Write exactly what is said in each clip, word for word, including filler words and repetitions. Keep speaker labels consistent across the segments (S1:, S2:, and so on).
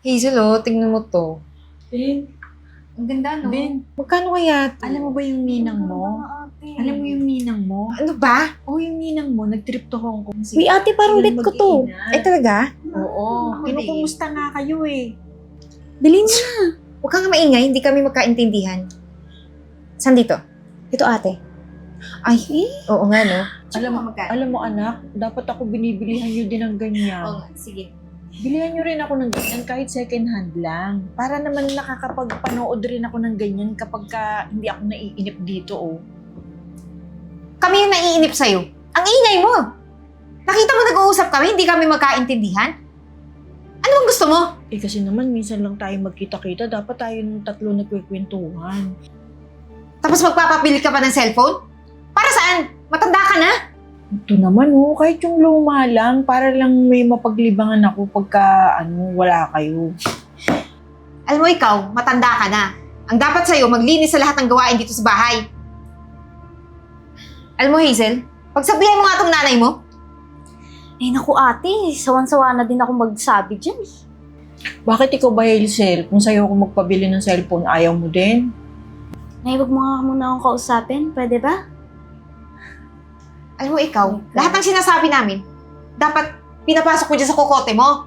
S1: Hazel, oh, tingnan mo to.
S2: Ben,
S1: Ang ganda, no?
S2: Ben,
S1: Magkano kaya to?
S2: alam mo ba yung ninang mo? Alam mo yung ninang mo?
S1: Ano ba?
S2: Oo, yung ninang mo, nag-trip to Hong Kong.
S3: Uy, ate, parang bet ko to.
S1: Eh, talaga?
S2: Oo,
S1: Ako
S2: kinukumusta nga kayo eh.
S3: Bilhin mo na.
S1: Huwag kang maingay, hindi kami magkaintindihan. Saan dito?
S3: Ito, ate.
S1: Ay, oo nga, no?
S2: Alam mo, alam mo anak, dapat ako binibilihan nyo din ng ganyan.
S1: Oo nga, sige.
S2: Bilihan nyo rin ako ng ganyan kahit second hand lang. Para naman nakakapagpanood rin ako ng ganyan kapag ka hindi ako naiinip dito, oh.
S1: Kami yung naiinip sa'yo. Ang ingay mo! Nakita mo nag-uusap kami, hindi kami magkaintindihan? Ano bang gusto mo?
S2: Eh kasi naman, minsan lang tayo magkita-kita, dapat tayo ng tatlo nagkwekwentuhan.
S1: Tapos magpapabili ka pa ng cellphone? Para saan? Matanda ka na?
S2: Ito naman, oh, kahit yung luma lang, para lang may mapaglibangan ako pagka, ano, wala kayo.
S1: Alam mo ikaw, matanda ka na. Ang dapat sa'yo, maglinis sa lahat ng gawain dito sa bahay. Alam mo, Hazel, pagsabihan mo nga tong nanay mo,
S3: Eh, naku, ate. Sawan-sawa na din ako magsabi dyan.
S2: Bakit ikaw ba, Hazel, kung sa'yo ako magpabili ng cellphone, ayaw mo din?
S3: Nay, wag mo nga muna akong kausapin. Pwede ba?
S1: alam mo ikaw,
S3: Oh my God.
S1: lahat ng sinasabi namin, dapat pinapasok mo dyan sa kokote mo.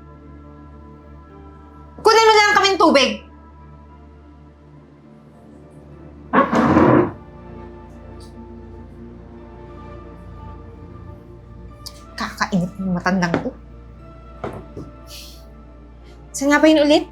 S1: Kunin mo lang kami ng tubig. Kakainit ng matandang to. Saan nga ba yun ulit?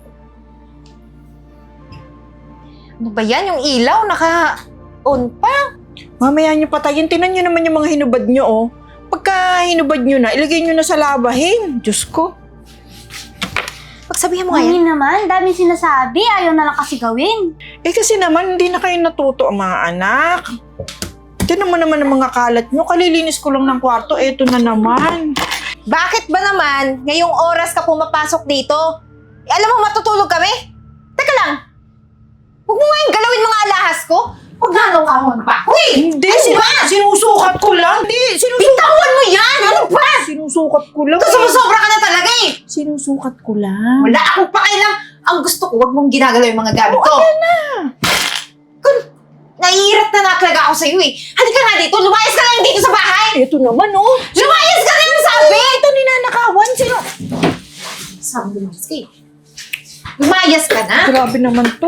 S1: Ano ba yan? Yung ilaw, naka-on pa.
S2: Mamaya nyo patayin, tinan nyo naman yung mga hinubad nyo, oh. Pagka hinubad nyo na, ilagay nyo na sa labahin. Diyos ko.
S1: Pagsabihan mo nga yan.
S3: Mami naman, daming sinasabi. Ayaw na lang kasi gawin.
S2: Eh kasi naman, hindi na kayo natuto ang mga anak. Tinan mo naman ang mga kalat nyo. Kalilinis ko lang ng kwarto, eto na naman.
S1: Bakit ba naman ngayong oras ka pumapasok dito? Eh, alam mo, matutulog kami? Teka lang. Huwag mo nga yung galawin mga alahas ko. Huwag nga nung kahon pa. Uy!
S2: Hindi, ba? Sinusukat ko lang. Hindi, sinusukat.
S1: Bitawan mo yan! Ano ba?
S2: Sinusukat ko lang.
S1: Ito, sumusobra ka na talaga eh!
S2: Sinusukat ko lang.
S1: Wala akong pakialam. Ang gusto ko, huwag mong ginagalaw yung mga gamit ko.
S2: Ayan na.
S1: Kung naiirat na na talaga ako sa'yo eh. Halika nga dito, lumayas ka lang dito sa bahay!
S2: Eto naman, oh.
S1: Lumayas ka lang sabi!
S2: Ito ninanakawan. Sino?
S1: Sabi lumayas ka eh. Lumayas ka na!
S2: Grabe naman to.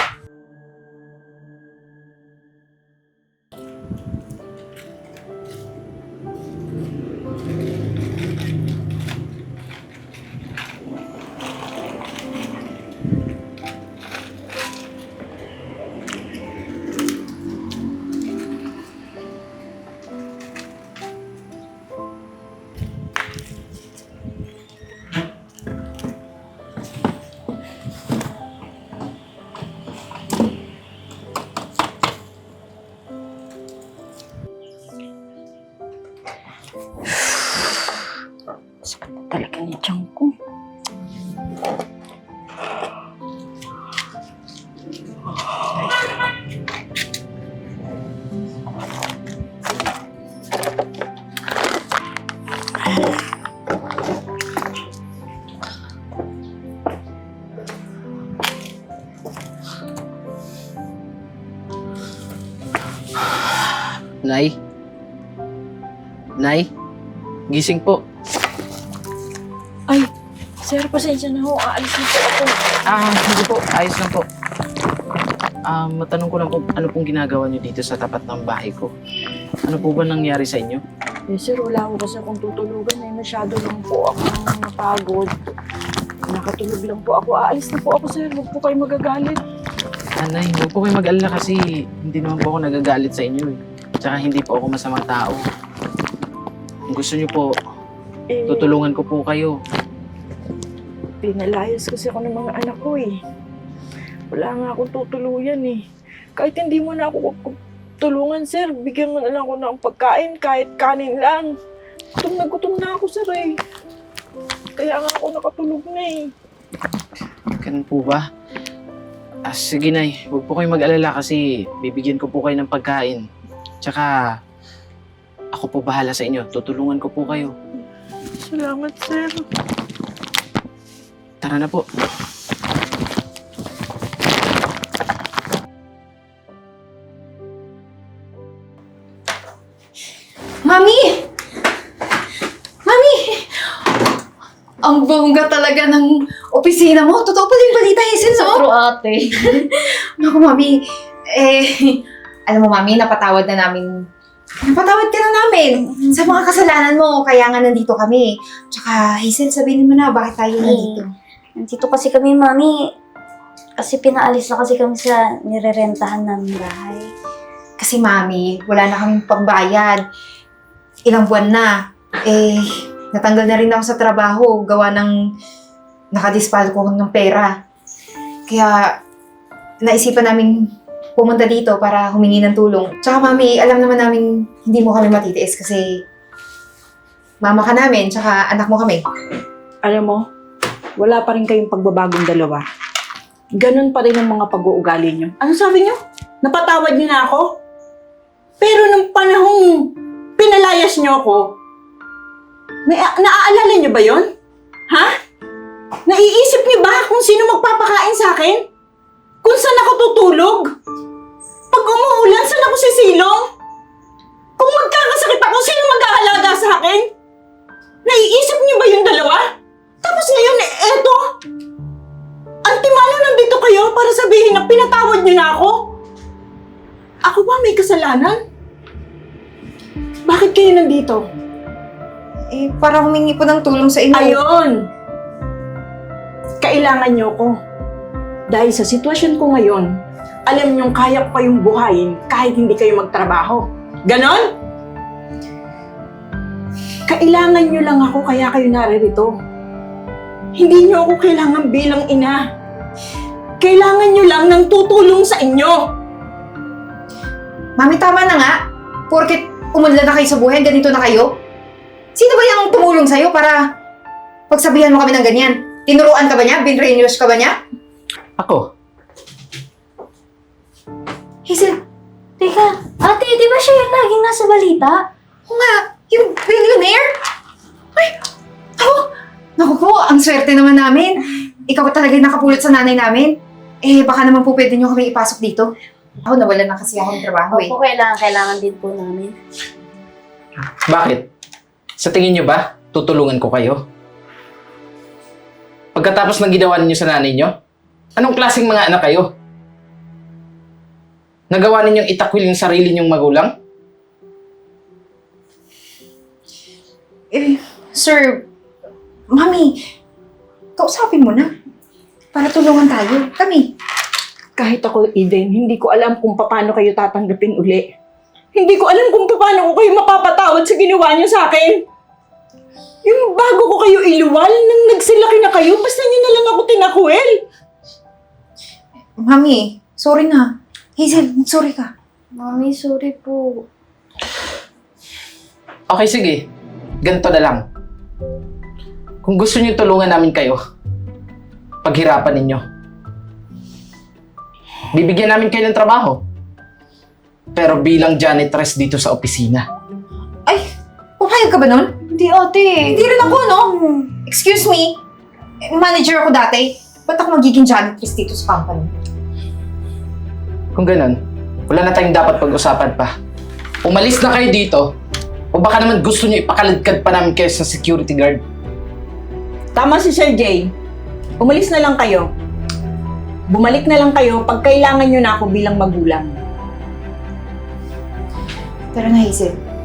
S2: Sakit talaga ni tiyan ko.
S4: Nay? Nay? Gising po.
S2: Ay, sir, pasensya na ho. Aalis na po ako.
S4: Ah, hindi po. Ayos lang po. Ah, matanong ko lang po, ano pong ginagawa niyo dito sa tapat ng bahay ko? Ano po ba nangyari sa inyo?
S2: Eh, sir, wala ko kasi akong tutulugan. Eh, masyado lang po akong napagod. Nakatulog lang po ako. Aalis na po ako, sir. Huwag po kayo magagalit.
S4: Ah, Nay, huwag po kayo mag-alala kasi hindi naman po ako nagagalit sa inyo eh. Tsaka hindi po ako masamang tao. Kung gusto niyo po,
S2: Eh,
S4: tutulungan ko po kayo.
S2: pinalayas kasi ako ng mga anak ko eh. Wala nga akong tutuluyan eh. Kahit hindi mo na ako tulungan, sir, bigyan mo na lang ako ng pagkain, kahit kanin lang. Gutom na gutom na ako, sir eh. Kaya nga ako nakatulog na eh.
S4: Ganun po ba? Ah, sige Nay, huwag po kayong mag-alala kasi bibigyan ko po kayo ng pagkain. Tsaka, ako po bahala sa inyo. Tutulungan ko po kayo.
S2: Salamat, sir.
S4: tara na po.
S1: Mami! Mami! Ang bongga talaga ng opisina mo. Totoo pala yung balita, Hazel, no?
S3: True, ate.
S1: Naku, Mami. Eh, alam mo, Mami, napatawad na namin. Napatawad ka na namin sa mga kasalanan mo. Kaya nga nandito kami. Tsaka, Hazel, sabihin mo na, bakit tayo nandito?
S3: Nandito kasi kami, mami. Kasi pinaalis na kasi kami sa nirerentahan namin bahay.
S1: Kasi, Mami, wala na kaming pambayad. Ilang buwan na. Eh, natanggal na rin ako sa trabaho. Gawa ng nakadispal ko ng pera. Kaya, naisipan namin pumunta dito para humingi ng tulong. Tsaka, Mami, alam naman namin hindi mo kami matitiis kasi mama ka namin, tsaka anak mo kami.
S2: Alam mo, wala pa rin kayong pagbabagong dalawa. Ganun pa rin ang mga pag-uugali nyo. Ano sabi nyo? Napatawad nyo na ako? Pero nung panahong pinalayas nyo ako, may, naaalala nyo ba yon? Ha? Naiisip nyo ba kung sino magpapakain sa akin? Kung saan ako tutulog? Pag umuulan, saan ako sisilong? Kung magkakasakit ako, sino mag-aalaga sa akin? Naiisip niyo ba yung dalawa? Tapos ngayon, eh, eto. Antimano nandito kayo para sabihin na pinatawad niyo na ako? Ako ba may kasalanan? Bakit kayo nandito?
S1: Eh, para humingi po ng tulong sa inyo.
S2: Ayun! Kailangan niyo ko. Dahil sa sitwasyon ko ngayon, alam niyong kaya ko kayong buhayin kahit hindi kayo magtrabaho. Ganon? Kailangan niyo lang ako kaya kayo naririto. Hindi niyo ako kailangan bilang ina. Kailangan niyo lang ng tutulong sa inyo.
S1: Mami, tama na nga. Porket umunlad na kayo sa buhay, ganito na kayo. Sino ba yung tumulong sa'yo para pagsabihan mo kami ng ganyan? Tinuruan ka ba niya? Binrainwash ka ba niya?
S4: Ako?
S1: Hazel,
S3: Teka, ate, di ba siya yung laging nasa balita?
S1: oo nga, yung billionaire? Ay, ako, naku po, ang swerte naman namin. Ikaw talaga yung nakapulot sa nanay namin. Eh, baka naman po pwede niyo kami ipasok dito. Ako, nawalan na kasi ako ng trabaho eh.
S3: Opo, kailangan, kailangan din po namin.
S4: Bakit? Sa tingin nyo ba, tutulungan ko kayo? Pagkatapos ng ginawa ninyo sa nanay nyo, anong klaseng mga anak kayo? Nagawa ninyong itakwil yung sarili nyong magulang?
S1: Eh, sir, mami, kausapin mo na. Para tulungan tayo. Kami.
S2: Kahit ako, Eden, hindi ko alam kung paano kayo tatanggapin uli. Hindi ko alam kung paano ko kayo mapapatawad sa ginawa niyo sa akin. Yung bago ko kayo iluwal, nang nagsilaki na kayo, basta niyo na lang ako tinakwil.
S1: Mami, sorry na. Hazel, sorry ka.
S3: Mami, sorry po.
S4: Okay, sige. Ganito na lang. Kung gusto niyo tulungan namin kayo, paghirapan ninyo. Bibigyan namin kayo ng trabaho. Pero bilang janitress dito sa opisina.
S1: Ay, papayag ka ba nun?
S3: Hindi, ate.
S1: Hindi rin ako, no? Excuse me. Eh, Manager ako dati. Ba't ako magiging janitress dito sa company?
S4: Kung ganun, wala na tayong dapat pag-usapan pa. Umalis na kayo dito, o baka naman gusto niyo ipakaladkad pa namin kayo sa security guard.
S2: Tama si Sir Jay. Umalis na lang kayo. Bumalik na lang kayo pag kailangan niyo na ako bilang magulang.
S1: Tara na, Hazel.